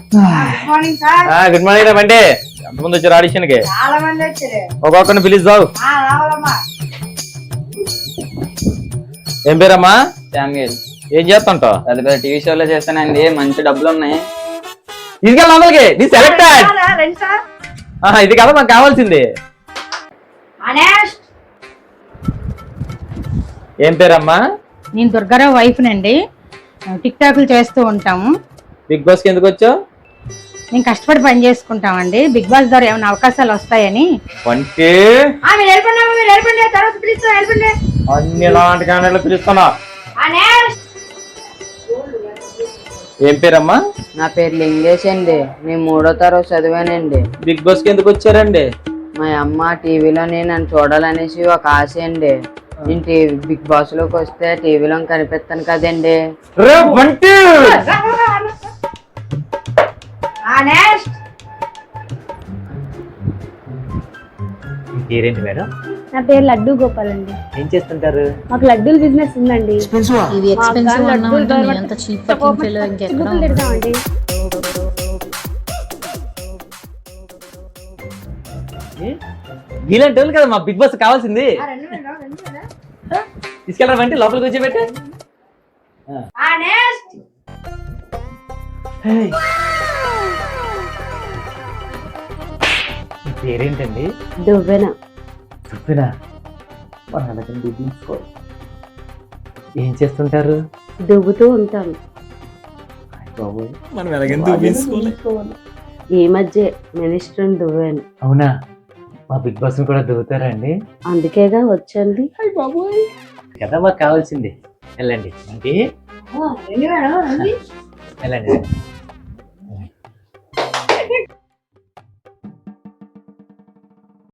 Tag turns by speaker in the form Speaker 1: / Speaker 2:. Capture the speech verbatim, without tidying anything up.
Speaker 1: Good morning రా బండి. ఎంతమంది వచ్చారు ఆడిషన్ కి?
Speaker 2: చాలా మంది వచ్చారు.
Speaker 1: ఒక్కొక్కరిని పిలుస్తావు. ఏం పేరమ్మా?
Speaker 3: శామ్యూల్.
Speaker 1: ఏం చేస్తుంటావు?
Speaker 3: పెద్ద పెద్ద టీవీ షోలో చేస్తానండి, మంచి డబ్బులు ఉన్నాయి.
Speaker 1: ఇది లోపలికి నీ సెలెక్టెడ్. ఇది కదా మాకు కావాల్సింది. ఏం పేరమ్మా?
Speaker 2: నేను దుర్గారావు వైఫ్ నండి. టిక్ టాక్లు చేస్తూ ఉంటాము.
Speaker 1: బిగ్ బాస్ కి ఎందుకు వచ్చావు?
Speaker 2: నేను కష్టపడి పని చేసుకుంటామండి. బిగ్ బాస్ ద్వారా ఏమైనా అవకాశాలు వస్తాయని.
Speaker 1: వంటి అన్ని లాంటి క్యాండిడేట్లు పిలుస్తున్నా. ఏం పేరమ్మా?
Speaker 4: నా పేరు లింగేష్ అండి. నేను మూడో తరగతి చదివానండి.
Speaker 1: బిగ్ బాస్ కి ఎందుకు వచ్చారండి?
Speaker 4: మా అమ్మ టీవీలో నేను నన్ను చూడాలనేసి ఒక ఆశ అండి. నేను టీవీ బిగ్ బాస్ లోకి వస్తే టీవీలో కనిపిస్తాను కదండి.
Speaker 1: పేరేంటి మేడం?
Speaker 5: నా పేరు లడ్డు గోపాల్ అండి.
Speaker 1: ఏం చేస్తుంటారు?
Speaker 5: మాకు లడ్డూల బిజినెస్ ఉందండి.
Speaker 6: ఇవి ఎక్స్పెన్సివ్ అన్నమాట. ఎంత చీప్ పకింగ్ ఫెలో ఇంకెక్కడ
Speaker 5: తిడతామండి.
Speaker 1: ఇలాంటి వాళ్ళు కదా మా బిగ్ బాస్ కావాల్సింది. తీసుకెళ్ళరా వంటి లోపలికి వచ్చేపెట్టే. పేరేంటండి?
Speaker 4: దువ్వెన.
Speaker 1: దువ్వెన. ఏం చేస్తుంటారు?
Speaker 4: దువ్వుతూ ఉంటాను. ఈ మధ్య మినిస్టర్ దువ్వాను.
Speaker 1: అవునా? మా బిగ్ బాస్ కూడా దువ్వుతారా అండి?
Speaker 4: అందుకేగా వచ్చండి.
Speaker 1: కదా మాకు కావాల్సింది. వెళ్ళండి అంటే వెళ్ళండి.